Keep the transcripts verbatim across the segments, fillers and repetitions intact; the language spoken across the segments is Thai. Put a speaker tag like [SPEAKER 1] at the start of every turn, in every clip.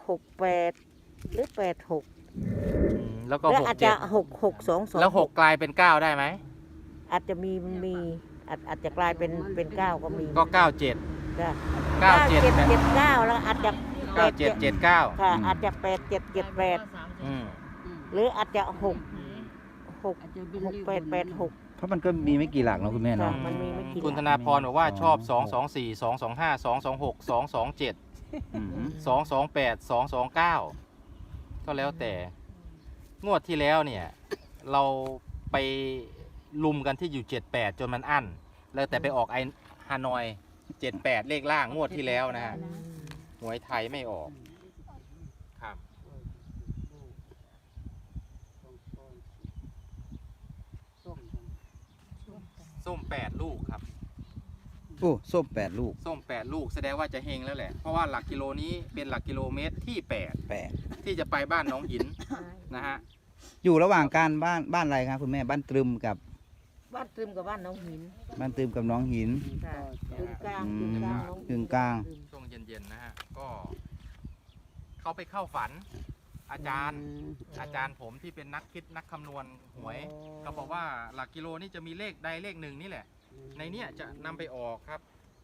[SPEAKER 1] หกแปดหรือแปดหก
[SPEAKER 2] แล้วก็
[SPEAKER 1] แล้ว
[SPEAKER 2] หก
[SPEAKER 1] อาจ
[SPEAKER 2] เจ็
[SPEAKER 1] จะ
[SPEAKER 2] ด
[SPEAKER 1] หกหกสองสอง
[SPEAKER 2] แล้วหกกลายเป็นเก้าได้ไหม
[SPEAKER 1] อาจจะมีมีอาจอาจจะกลายเป็นเป็นเก้าก็มี
[SPEAKER 2] ก็เก้าเจ็ด
[SPEAKER 1] จ้ะ
[SPEAKER 2] เก้าเจ็ด
[SPEAKER 1] เจ็ดเจ็ดเก้าแล้วอาจจะแป
[SPEAKER 2] เก้า
[SPEAKER 1] ด
[SPEAKER 2] เจ็ดเจ็ดเก้า
[SPEAKER 1] ค่ะอาจจะแปดเจ็ดเจ็ดแปด
[SPEAKER 2] อืม
[SPEAKER 1] หรืออาจจะหกหกหกแปดแปดหก
[SPEAKER 3] เพราะมันก็มีไม่กี่หลักเนาะคุณแม่เนาะ
[SPEAKER 1] ค่ะมันมีไม่กี่
[SPEAKER 2] คุณธนาพรบอกว่าชอบสองสองสี่สองสองห้าสองสองหกสองสองเจ็ด
[SPEAKER 3] อืม
[SPEAKER 2] สองสองแปดสองสองเก้าก็แล้วแต่งวดที่แล้วเนี่ย เราไปลุมกันที่อยู่เจ็ดแปดจนมันอั้นแล้วแต่ไปออกไอฮานอยเจ็ดแปดเลขล่างงวดที่แล้วนะฮะหวยไทยไม่ออกครับส้มแปดลูกครับ
[SPEAKER 3] โอ้ส้มแปดลูก
[SPEAKER 2] ส้มแปดลูกแสดงว่าจะเฮงแล้วแหละเพราะว่าหลักกิโลนี้เป็นหลักกิโลเมตรที่แปด
[SPEAKER 3] แปด
[SPEAKER 2] ที่จะไปบ้านหน้องหินนะฮะ
[SPEAKER 3] อยู่ระหว่างการบ้านบ้านอะไรครับคุณแม่บ้านตรึมกับ
[SPEAKER 1] บ้านตรึมกับบ้านน้องหิน
[SPEAKER 3] บ้านตรึมกับน้องหิน
[SPEAKER 1] ค่ะกึ่งกลาง
[SPEAKER 3] อื
[SPEAKER 1] กึ่ง
[SPEAKER 3] ม
[SPEAKER 1] กลางน้อง
[SPEAKER 3] กึ่งกลาง
[SPEAKER 2] ช่วงเย็นๆนะฮะก็เขาไปเข้าฝัน อาจารย์ อาจารย์ผมที่เป็นนักคิดนักคำนวณหวยเขาบอกว่าหลักกิโลนี่จะมีเลขใดเลขหนึ่งนี่แหละ ในเนี้ยจะนำไปออกครับ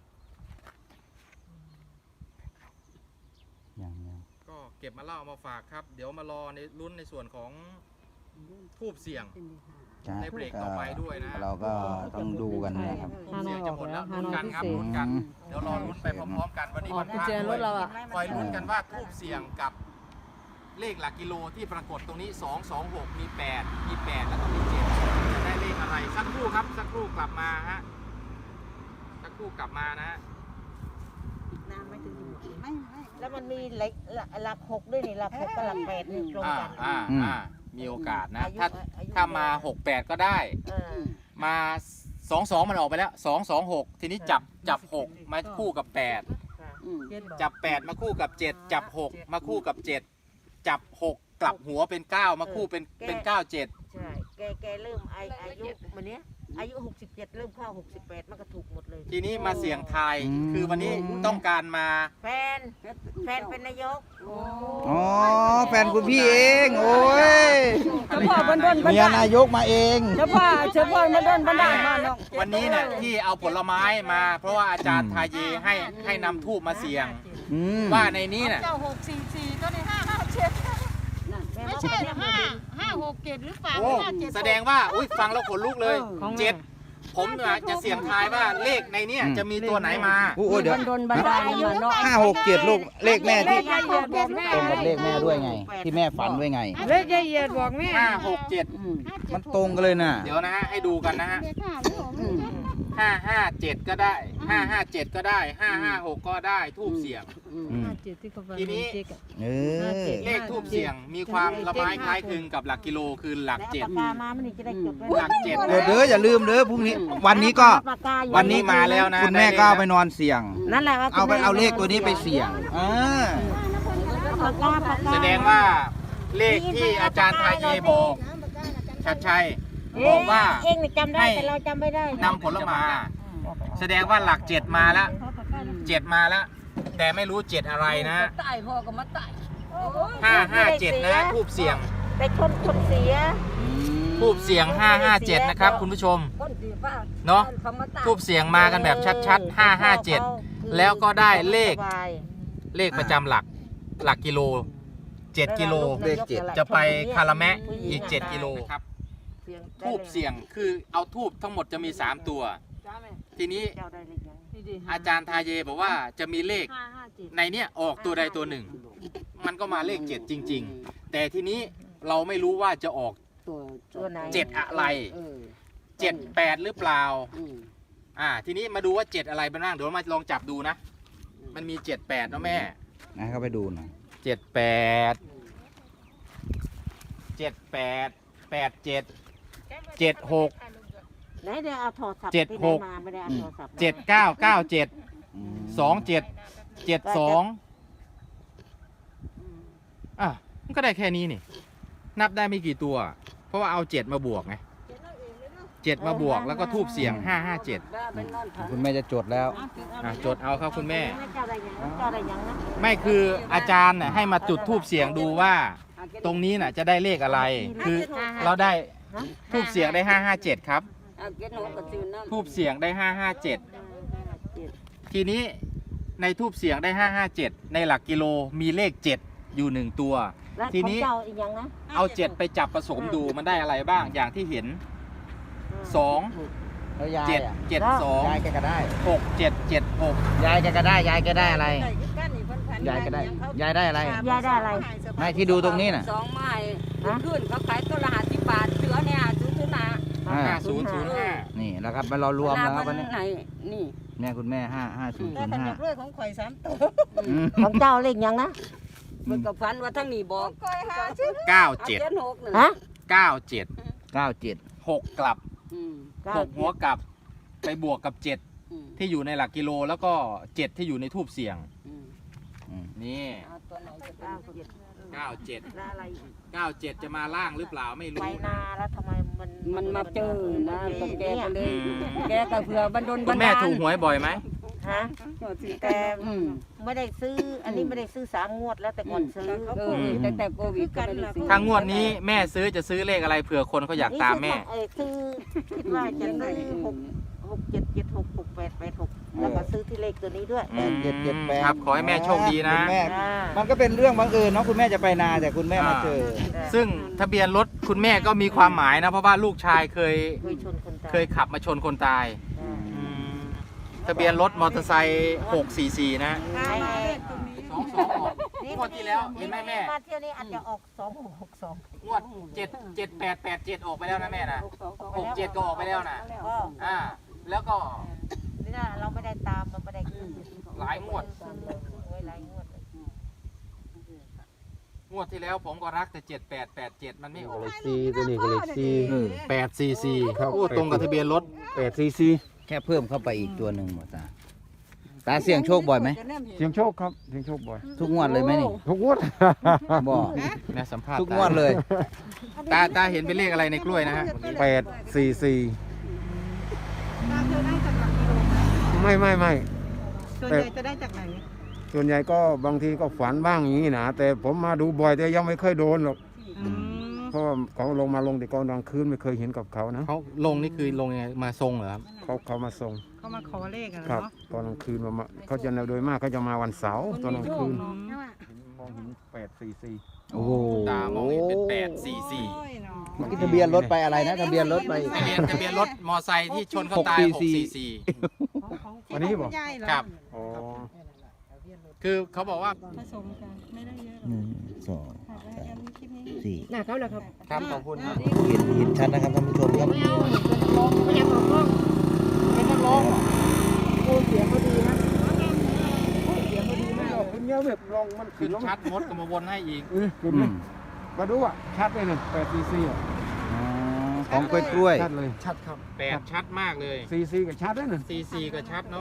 [SPEAKER 3] ยังยัง
[SPEAKER 2] ก็เก็บมาเล่ามาฝากครับ เดี๋ยวมารอในลุ้นในส่วนของทูบเสี่ยง
[SPEAKER 3] ใช่
[SPEAKER 2] ในเบรกต่อไปด้วยนะ
[SPEAKER 3] เราก็ต้องดูกันนะครับ
[SPEAKER 2] ทูบเสี่ยงจะหมดแล้ว
[SPEAKER 4] ฮา
[SPEAKER 2] ลุ้น
[SPEAKER 4] นอย
[SPEAKER 2] กันครับ
[SPEAKER 4] พิเศษ
[SPEAKER 2] ลุ้นกัน เดี๋ยวรอลุ้นไปพร้อมๆกันวันนี้
[SPEAKER 4] ออ
[SPEAKER 2] วั
[SPEAKER 4] ก
[SPEAKER 2] น
[SPEAKER 4] กุญ
[SPEAKER 2] พระ
[SPEAKER 4] แจรถเราอ่ะ
[SPEAKER 2] คอยลุ้นกันว่าทูบเสี่ยงกับเลขหลักกิโลที่ปรากฏตรงนี้สองสองหกมีแปดมีแปดแล้วก็มีเจ็ดจะได้เลขอะไรสักครู่ครับสักครู่กลับมาฮะสักครู่กลับมานะฮะ
[SPEAKER 1] น้ำไม่ถึงไม่ไม่แล้วมันมีหลักหลักหกด้วยนี่หลักหกกับหลักแปดนี่ตรง
[SPEAKER 2] อ่า
[SPEAKER 1] กัน
[SPEAKER 2] อ่าอ่ามีโอกาสนะ
[SPEAKER 1] อายุ
[SPEAKER 2] ถ้า
[SPEAKER 1] อายุ
[SPEAKER 2] ถ้ามาหกแปดก็ได้
[SPEAKER 1] เออ
[SPEAKER 2] มาสองสองมันออกไปแล้วสองสองหกทีนี้จับจับหกมาคู่กับแปด
[SPEAKER 1] ค่ะ
[SPEAKER 2] จับแปดมาคู่กับเจ็ดจับหกมาคู่กับเจ็ดจับหกกลับหัวเป็นเก้ามาคู่เป็นเป็นเก้าเจ็ด
[SPEAKER 1] ใช่แกแกเริ่มอาอายุวันเนี้ยอายุหกสิบเจ็ดเริ่มเข้าหกสิบแปดมันก็ถูกหมดเลย
[SPEAKER 2] ทีนี้มาเสี่ยงทาย
[SPEAKER 3] อืม
[SPEAKER 2] คือวันนี้ต้องการมา
[SPEAKER 1] แฟนแฟนเป็นนายก
[SPEAKER 3] อ๋อแฟนคุณพี่เองโอ้ย
[SPEAKER 4] เฉพาะบนบนบน
[SPEAKER 3] เมียนายกมาเอง
[SPEAKER 4] เฉพาะเฉพาะมาเดินบันไดมาเนาะ
[SPEAKER 2] วันนี้เนี่ยที่เอาผลไม้มา เพราะว่าอาจารย์ทาเยให้ให้นำทูบมาเสี่ยง
[SPEAKER 3] อืม
[SPEAKER 2] ว่าในนี้น่ะ
[SPEAKER 5] เจ้าหกสี่สี่ตัวนี้ห้าห้าเจ็ด
[SPEAKER 1] แม่
[SPEAKER 5] ไม่
[SPEAKER 1] บอก
[SPEAKER 5] ใช่
[SPEAKER 1] ว่า
[SPEAKER 5] เหรอห้าห้าหกเจ็ดหรือเปล่า
[SPEAKER 2] โอ้
[SPEAKER 5] ห้าเจ็ด
[SPEAKER 2] แสดงว่าอุ้ยฟังแล้วขนลุกเลยเจ็ดผมอะจะเสี่ยงทายว่าเลขในเนี้ยจะมีตัวไหนมา
[SPEAKER 3] โอ้โหเดี๋ยว
[SPEAKER 4] บนบนบันไดมาเนาะ
[SPEAKER 3] ห้าหกเจ็ดลูกเลขแม่ที่
[SPEAKER 4] เลขยายเหยียดบอกแม่
[SPEAKER 3] ตรงกับเลขแม่ด้วยไง ที่แม่ฝันด้วยไง
[SPEAKER 4] เลขยายเหยียดบอกแม่
[SPEAKER 2] ห้าหกเจ็ด
[SPEAKER 3] มันตรงกันเลยน่ะ
[SPEAKER 2] เดี๋ยวนะฮะให้ดูกันนะฮะ
[SPEAKER 5] เลขห้าหรือหก
[SPEAKER 2] ห้าห้าเจ็ดก็ได้ห้าห้าเจ็ดก็ได้ห้าห้าหกก็ได้ทูบเสี่ยง
[SPEAKER 3] อืม
[SPEAKER 4] ห้าเจ็ดที่เขาบอก
[SPEAKER 2] ทีนี้
[SPEAKER 4] เจ๊กอะ
[SPEAKER 3] เออ
[SPEAKER 2] เลขทูบเสี่ยงมีความละไม้คล้ายคลึงกับหลักกิโลคือหลัก
[SPEAKER 1] แล้ว
[SPEAKER 2] เจ็ด
[SPEAKER 1] ปากกามามันนี่จะได้จดไว้
[SPEAKER 2] หลักเจ็ด
[SPEAKER 3] เดี๋ยวเด้ออย่าลืมเด้อพรุ่งนี้ วันนี้ก็
[SPEAKER 1] ปากกาอยู่
[SPEAKER 2] วันนี้มาแล้วนะ
[SPEAKER 3] คุณแม่ก็เอาไปนอนเสี่ยง
[SPEAKER 1] นั่นแหละว่า
[SPEAKER 3] เอาไปเอาเลขตัวนี้ไปเสี่ยงอ่า
[SPEAKER 1] ปากกาปากกา
[SPEAKER 2] แสดงว่าเลขที่อาจารย์ทาเยบอกชัดชัยบอกว่า
[SPEAKER 1] เองนี่จำได้แต่เราจำไม่ได้
[SPEAKER 2] นำผลไม้แสดงว่าหลักเจ็ดมาแล้วเจ็ดมาแล้ว แต่ไม่รู้เจ็ดอะไรนะ
[SPEAKER 4] ตายพ่อก็มาตาย
[SPEAKER 2] ห้าห้าเจ็ดนะทูบเสี่ยง
[SPEAKER 1] แต่คนคนเสีย
[SPEAKER 2] ทูบเสียงห้าห้าเจ็ดนะครับคุณผู้ชม
[SPEAKER 4] คนดีป้า
[SPEAKER 2] เนาะทูบเสียงมากันแบบชัดๆห้าห้าเจ็ดแล้วก็ได้เลข
[SPEAKER 1] สบาย
[SPEAKER 2] เลขประจำหลักหลักกิโลเจ็ดกิโล
[SPEAKER 3] เลขเจ็ด
[SPEAKER 2] จะไปคาราแมะอีกเจ็ดกิโลครับทูบเสียงคือเอาทูบทั้งหมดจะมีสามตัว ทีนี้
[SPEAKER 1] เจ้าได้เลขยัง
[SPEAKER 2] อาจารย์ทาเยบอกว่าจะมีเลข
[SPEAKER 1] ห้าห้าเจ็ด
[SPEAKER 2] ในเนี้ยออกตัวใดตัวหนึ่ง มันก็มาเลขเจ็ดจริง ๆ แต่ทีนี้เราไม่รู้ว่าจะออก
[SPEAKER 1] ตัวไหน
[SPEAKER 2] เจ็ดอะไรเจ็ดแปดหรือเปล่าอ่า ทีนี้มาดูว่าเจ็ดอะไรบ้างเดี๋ยวมาลองจับดูนะ มันมีเจ็ดแปดนะแม่
[SPEAKER 3] นะเข้าไปดูหน่อย
[SPEAKER 2] เจ็ดแปดเจ็ดแปดแปดเจ็ดเจ็ดหก
[SPEAKER 1] ไหนเดี๋ยวเอาโทรศัพท์
[SPEAKER 2] เจ็ด
[SPEAKER 1] ที่
[SPEAKER 2] ห
[SPEAKER 1] ไหน
[SPEAKER 2] ก
[SPEAKER 1] มาไม่ได้เอาโทรศัพท์มา
[SPEAKER 2] เจ็ดเก้าเก้าเจ็ด
[SPEAKER 3] อืม
[SPEAKER 2] สองเจ็ดเจ็ดสองอ่ะมันก็ได้แค่นี้นี่ นับได้ไม่กี่ตัว เพราะว่าเอาเจ็ดมาบวกไงเจ็ดมาบวกแล้วก็ทูบเสียงห้าห้าเจ็ด
[SPEAKER 3] คุณแม่จะจดแล้ว
[SPEAKER 2] อ่ะจดเอาครับคุณแม่
[SPEAKER 1] เจ้าอะไรอย่างนั้นเจ้าอะไรอย่างนั้น
[SPEAKER 2] ไม่คืออาจารย์น่ะให้มาจุดทูบเสียงดูว่า ตรงนี้น่ะจะได้เลขอะไร คือเราได้ทูบเสียงได้ห้าห้าเจ็ดครับทูบเสียงได้ห้าห้าเจ็ดทีนี้ในทูบเสียงได้ห้าห้าเจ็ดในหลักกิโลมีเลขเจ็ดอยู่หนึ่งตัว
[SPEAKER 1] แล้ว
[SPEAKER 2] ที
[SPEAKER 1] ของ
[SPEAKER 2] นี้
[SPEAKER 1] เจ้าอีกอย่างนะ
[SPEAKER 2] เอาเจ็ดไปจับผสมดูมันได้อะไรบ้างอย่างที่เห็นสอง
[SPEAKER 3] แล้วยาย
[SPEAKER 2] เจ็ด
[SPEAKER 3] อ่ะ
[SPEAKER 2] เจ็ดสอง
[SPEAKER 3] ยายแกก็ได้
[SPEAKER 2] หกเจ็ดเจ็ดหก
[SPEAKER 3] ยายแกก็ได้ ยายแกได้อะไร ยายก็ได้ ยายได้อะไร
[SPEAKER 1] ยายได้อะไร
[SPEAKER 3] ไม่ที่ดูตรงนี้น่ะ
[SPEAKER 4] สองไม้ขึ้นเขาขายตัวละห้าสิบบาทเสือเนี่ยซื้อซื้อหนา
[SPEAKER 3] อ่า
[SPEAKER 2] ห้าศูนย์ศูนย์ห้า
[SPEAKER 3] นี่แล้วครับมารอรวมแล้วครับวันนี้
[SPEAKER 4] ไหนนี่
[SPEAKER 3] เนี่ยคุณแม่ห้าห้าศูนย์
[SPEAKER 5] แต่
[SPEAKER 3] ศูนย์
[SPEAKER 5] ขน
[SPEAKER 3] ห้าม
[SPEAKER 5] ด้วยของข่อยสามตัว
[SPEAKER 1] ของเจ้าเลขอย่างนะ
[SPEAKER 4] มันก็ฟันว่าทั้งนี้บอก
[SPEAKER 5] ข่อยหาชื่อ
[SPEAKER 2] เก้าเจ็ด
[SPEAKER 4] เจ็ดหกหนึ่ง
[SPEAKER 1] ฮะ
[SPEAKER 2] เก้าเจ็ด
[SPEAKER 3] เก้าเจ็ด
[SPEAKER 2] หกกลับ
[SPEAKER 4] อืม
[SPEAKER 2] หกหัวกลับไปบวกกับเจ็ด
[SPEAKER 4] อืม
[SPEAKER 2] ที่อยู่ในหลักกิโลแล้วก็เจ็ดที่อยู่ในทูบเสียง
[SPEAKER 4] อืม
[SPEAKER 3] อืม
[SPEAKER 2] นี่
[SPEAKER 4] เอาตัวไหนจะเป็น
[SPEAKER 1] เก้าเจ็ด
[SPEAKER 2] เก้าเจ็ด
[SPEAKER 1] แล้วอะไรอีก
[SPEAKER 2] เก้าเจ็ดจะมาล่างหรือเปล่าไม่
[SPEAKER 1] ไป
[SPEAKER 2] รู้
[SPEAKER 1] นาแล้วทำไมมัน
[SPEAKER 4] มันมาเจอนะก็แกก็เลย
[SPEAKER 2] อืม
[SPEAKER 4] แกก็เผื่อบันดล
[SPEAKER 2] คุ
[SPEAKER 4] บัน
[SPEAKER 2] ณแม่
[SPEAKER 4] ดาล
[SPEAKER 2] ถูกหวยบ่อยไหม
[SPEAKER 1] ฮะ แต่
[SPEAKER 4] อืม
[SPEAKER 1] ไม่ได้ซื้อ อันนี้ไม่ได้ซื้อสามงวดแล้วแต่ก่อนซื้อ
[SPEAKER 4] เออแต่แต่โควิดก็ไม่ได้ซื้อ
[SPEAKER 2] ถ้างวดนี้แม่ซื้อจะซื้อเลขอะไรเผื่อคนเขาอยากตามแม่
[SPEAKER 1] เออซื้อคิดว่าจะซื้อหกหกเจ็ดเจ็ดหกหกแปดแปดหกแล้วก็ซื้อที่เลขตัวนี้ด้วย
[SPEAKER 3] แปดเจ็ดเจ็ดแปด
[SPEAKER 2] ครับขอให้แม่โชคดีนะ
[SPEAKER 3] คุณแม่
[SPEAKER 1] อ่า
[SPEAKER 3] มันก็เป็นเรื่องบังเอิญเนาะคุณแม่จะไปนาแต่คุณแม่มาเจอ
[SPEAKER 2] ซึ่งทะเบียนรถคุณแม่ก็มีความหมายนะ เพราะว่าลูกชายเคย
[SPEAKER 1] เคยชนคนตาย
[SPEAKER 2] เคยขับมาชนคนตาย
[SPEAKER 1] อ่า
[SPEAKER 2] อืมทะเบียนรถมอเตอร์ไซค์หกสี่สี่นะ
[SPEAKER 1] ไอ้
[SPEAKER 2] สองสองหกงวดที่แล้วเห็นไหมแม่
[SPEAKER 1] มาเที่ยวนี้อาจจะออกสองหกหกสอง
[SPEAKER 2] งวดเจ็ดเจ็ดแปดแปดเจ็ดออกไปแล้วนะแม่นะหกเจ็ดก็ออกไปแล้วนะ
[SPEAKER 1] ก็
[SPEAKER 2] อ่า แล้วก็
[SPEAKER 1] นี่นะเราไม่ได้ตามมันไม่ได้ขึ้น
[SPEAKER 2] หลายงวด
[SPEAKER 1] ไว้หลายงวดเลย
[SPEAKER 2] งวดที่แล้วผมก็รักแต่เจ็ดแปดแปดเจ็ดมันไม่ออก
[SPEAKER 6] เลขสี่ตัวนี้ก็เลขสี่
[SPEAKER 2] แปดสี่สี่
[SPEAKER 6] ครับ
[SPEAKER 2] โอ้ตรงกับทะเบียนรถ
[SPEAKER 6] แปดสี่สี่
[SPEAKER 3] แค่เพิ่มเข้าไปอีกตัวหนึ่งหมดตาตาเสี่ยงโชคบ่อยไหม
[SPEAKER 6] เสียงโชคครับเสียงโชคบ่อย
[SPEAKER 3] ทุกงวดเลยไหมนี่
[SPEAKER 6] ทุกงวด
[SPEAKER 3] บอก
[SPEAKER 2] แม่สัมภาษณ์
[SPEAKER 3] ทุกงวดเลย
[SPEAKER 2] ตาตาเห็นเป็นเลขอะไรในกล้วยนะฮะ
[SPEAKER 6] แปดสี่สี่ไม่ไม่ไม่
[SPEAKER 5] ส่วนใหญ่จะได้จากไหน
[SPEAKER 6] ส่วนใหญ่ก็บางทีก็ฝันบ้างอย่างนี้นะแต่ผมมาดูบ่อยแต่ยังไม่เคยโดนหรอกเพราะว่าเขาลงมาลงแต่ก่อนกลางคืนไม่เคยเห็นกับเขานะ
[SPEAKER 2] เขาลงนี่คือลงยังไงมาทรงเหรอครับ
[SPEAKER 6] เขาเขามาส่ง
[SPEAKER 5] เขามาขอเลขอะ
[SPEAKER 6] ครับ
[SPEAKER 5] เนาะ
[SPEAKER 6] ตอนกลางคืนมามาเขาจะโดยมากเขาจะมาวันเสาร์ตอนกลางคืนมองเห็นแปดสี่สี่
[SPEAKER 3] โอ้โห
[SPEAKER 2] ตามองเห็นเป็นแปดสี่สี่
[SPEAKER 5] โอ้ยเนาะ
[SPEAKER 3] เมื่อกี้ทะเบียนรถไปอะไรนะทะเบียนรถไป
[SPEAKER 2] ทะเบียนทะเบียนรถมอไซค์ที่ชนเขาตาย
[SPEAKER 3] ห
[SPEAKER 2] ห
[SPEAKER 3] ก
[SPEAKER 2] ก
[SPEAKER 3] สี่
[SPEAKER 2] สี่
[SPEAKER 3] สี่
[SPEAKER 2] สี่
[SPEAKER 6] วันนี้บอก
[SPEAKER 5] ใหญ่เหรอ
[SPEAKER 2] ครับ
[SPEAKER 6] อ๋อ
[SPEAKER 2] คือเขาบอกว่า
[SPEAKER 5] ผสมกันไม่ได้เยอะหร
[SPEAKER 3] ห
[SPEAKER 5] อก
[SPEAKER 3] นึ่งสอง
[SPEAKER 5] ค่ะแล้วยังมีคลิปนี้
[SPEAKER 3] สี่
[SPEAKER 4] หน้าเขาเหรอครับ
[SPEAKER 2] ครับขอบคุณครับ
[SPEAKER 3] เห็นเห็นชัดนะครับท่านผู้ชมครับ
[SPEAKER 4] ไม่เอาไม่อยากออกกล้องเป็นนักร้องโอ้เสียงเขาดีนะเสียงเขาดีมาก
[SPEAKER 6] คุณเงี้ยแบบลองมัน
[SPEAKER 2] ขึ้นชัดมดก็มาวนให้อีก
[SPEAKER 6] เออคุณ
[SPEAKER 3] อื
[SPEAKER 6] นะ
[SPEAKER 3] ม
[SPEAKER 6] มาดูอ่ะชัดเลยเนี่ยแปดซีซีอ่ะ
[SPEAKER 3] อ๋อของกล้วยกล้วย
[SPEAKER 6] ชัดเลยชัดครับ
[SPEAKER 2] แปดชัดมากเลย
[SPEAKER 6] ซีซีก็ชัดแล้วเนี่ย
[SPEAKER 2] สี่สี่ก็ชัดเนาะ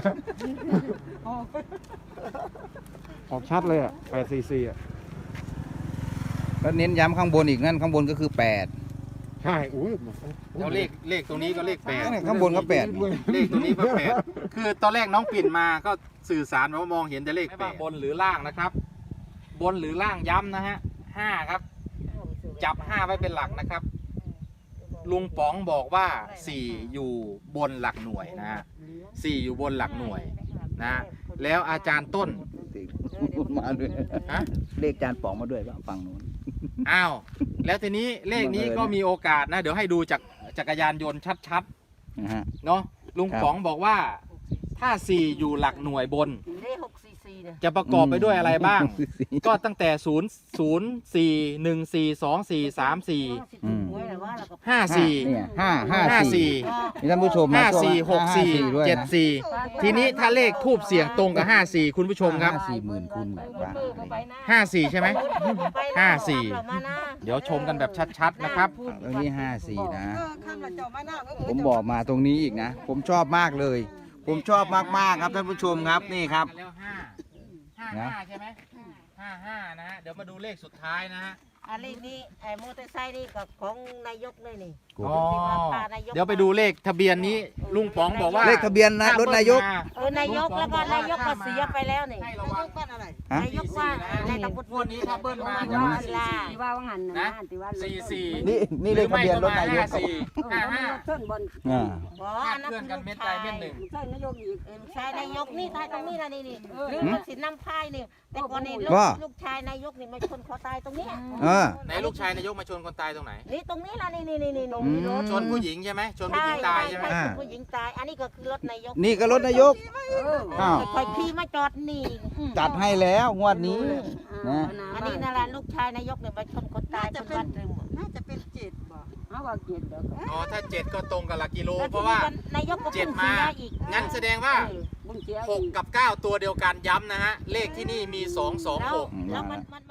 [SPEAKER 6] ออกชัดเลยอ่ะแปดซีซีอ่ะ
[SPEAKER 3] แล้วเน้นย้ำข้างบนอีกนั่นข้างบนก็คือแปด
[SPEAKER 6] ใช่อุ้ย
[SPEAKER 2] แล้วเลขเลขตรงนี้ก็เลขแปด
[SPEAKER 3] นั่นแหละข้างบนก็แปด
[SPEAKER 2] เลขตรงนี้ก็แปดคือตอนแรกน้องปิ่นมาก็สื่อสารว่ามองเห็นแต่เลขแปดบนหรือล่างนะครับ บนหรือล่างย้ำนะฮะห้าครับ จับห้าไว้เป็นหลักนะครับ ลุงป๋องบอกว่าสี่อยู่บนหลักหน่วยนะฮะสี่อยู่บนหลักหน่วยนะ แล้วอาจารย์ต้น
[SPEAKER 3] มาด้วย
[SPEAKER 2] ฮะ
[SPEAKER 3] เลขจานป๋องมาด้วยป่ะฝั่งนู้น
[SPEAKER 2] อ้าว แล้วทีนี้เลขนี้ก็มีโอกาสนะ เดี๋ยวให้ดูจากจักรยานยนต์ชัด
[SPEAKER 3] นะฮะ
[SPEAKER 2] ๆ เนาะลุง
[SPEAKER 3] ครับ
[SPEAKER 2] ป๋องบอกว่า ถ้าสี่อยู่หลักหน่วยบน
[SPEAKER 1] เลขหกสี่สี่เนี่ย
[SPEAKER 2] จะประกอบไปด้วยอะไรบ้าง ก็ตั้งแต่ศูนย์ศูนย์สี่หนึ่งสี่สองสี่สามสี่
[SPEAKER 3] อืม
[SPEAKER 1] หวยแต่ว่าเราก็
[SPEAKER 2] ห้าสี่
[SPEAKER 3] เนี่ยห้าห้า
[SPEAKER 2] ห้า
[SPEAKER 3] สี่
[SPEAKER 2] สี่
[SPEAKER 3] มีท่านผู้ชม
[SPEAKER 2] ห้า
[SPEAKER 3] ช่วง
[SPEAKER 2] สี่หกสี่
[SPEAKER 3] ด้วยนะ
[SPEAKER 2] เจ็ดสี่ทีนี้ถ้าเลขทูบเสียงตรงกับห้าสี่คุณผู้ชมครับ
[SPEAKER 3] ห้าสี่หมื่นคูณกว่า
[SPEAKER 2] ห้าสี่ใช่ไหม ห้าสี่
[SPEAKER 1] เอมานะ
[SPEAKER 2] เดี๋ยวชมกันแบบชัดๆนะครับ
[SPEAKER 3] ตรงนี้ห้าสี่นะ
[SPEAKER 5] เออข้ามละเจ้ามาหน้าก็
[SPEAKER 3] ผมบอกมาตรงนี้อีกนะ ผมชอบมากเลย ผมชอบมากๆครับท่านผู้ชมครับนี่ครับ
[SPEAKER 2] แล้วห้าห้าห้าใช่ไหมห้าห้านะฮะเดี๋ยวมาดูเลขสุดท้ายนะฮะ
[SPEAKER 1] อันนี้นี่ไอ้มอเตอร์ไซค์นี่กับของนายกเลยนี่
[SPEAKER 2] อ๋อเดี๋ยวไปดูเลขทะเบียนนี้ลุงป๋องบอกว่า
[SPEAKER 3] เลขทะเบียนนะรถนายก
[SPEAKER 1] เออนายกแล้วก็นายกก็เสียไปแล้วนี่
[SPEAKER 2] ให้ระวัง
[SPEAKER 3] ฮะ
[SPEAKER 1] นายกว่าในตำบล
[SPEAKER 2] งวดนี้ถ้าเบิ้ลมา
[SPEAKER 1] จะ
[SPEAKER 2] จะ
[SPEAKER 1] มา
[SPEAKER 2] มา
[SPEAKER 1] ศิลา
[SPEAKER 7] ที่ว่าว่างันนะ
[SPEAKER 2] นะ
[SPEAKER 7] ที่ว่า
[SPEAKER 2] สี่สี่
[SPEAKER 3] นี่นี่เลขทะเบียนรถนายก
[SPEAKER 2] ห้าสี่ห้าห้า
[SPEAKER 7] ต้นบน
[SPEAKER 3] อ่า
[SPEAKER 1] อ๋อ
[SPEAKER 2] คา
[SPEAKER 1] อั
[SPEAKER 2] ด
[SPEAKER 1] นนั้น
[SPEAKER 2] เคลื่อนกันเม็ดใดเม็ดหนึ่ง
[SPEAKER 7] ใช่นายกอีก
[SPEAKER 1] เออลูกชายนายกนี่ตายตรงนี้นะนี่นี่หรือมันสินน้ำพายนี่แต่ก่อนนี่ลูก
[SPEAKER 3] ว่า
[SPEAKER 1] ลูกชายนายกนี่มาชนคอตายตรงนี้
[SPEAKER 3] เออ
[SPEAKER 2] ไหนลูกชายนายกมาชนคนตายตรงไหน
[SPEAKER 1] นี่ตรงนี้ละนี่นี่นี่นี่ตรง
[SPEAKER 3] อื
[SPEAKER 1] นี้
[SPEAKER 3] ม
[SPEAKER 1] รถ
[SPEAKER 2] ชนผู้หญิงใช่ไหมชนผู้หญิงตายใช่ไหม
[SPEAKER 1] ใช่ผู้หญิงตาย อันนี้ก็คือรถนายก
[SPEAKER 3] นี่ก็รถนายก อ้าว
[SPEAKER 1] คอยขี่มาจอดนี่
[SPEAKER 3] จัดให้แล้วงวดนี้นะ
[SPEAKER 1] อันนี้นั่นแหละลูกชายนายกเนี่ยมาชนคนตายคนบ้านตึม
[SPEAKER 5] น่าจะเป็นเจ็ดบ่
[SPEAKER 7] เอาว่าเกียรติเด้อ
[SPEAKER 2] อ๋อถ้าเจ็ดก็ตรงกับหลักกิโล
[SPEAKER 1] แล้ว
[SPEAKER 2] เพราะว่าน
[SPEAKER 1] ายกก็
[SPEAKER 2] เจ็ด
[SPEAKER 1] เพิ่ง
[SPEAKER 2] มา
[SPEAKER 1] เสียอีก
[SPEAKER 2] งั้นแสดงว่า
[SPEAKER 7] บุญเสีย
[SPEAKER 2] หกกับเก้าตัวเดียวกันย้ำนะฮะ เลขที่นี่มีสองสอง
[SPEAKER 1] แล้ว
[SPEAKER 2] หก
[SPEAKER 1] แล้วมันมัน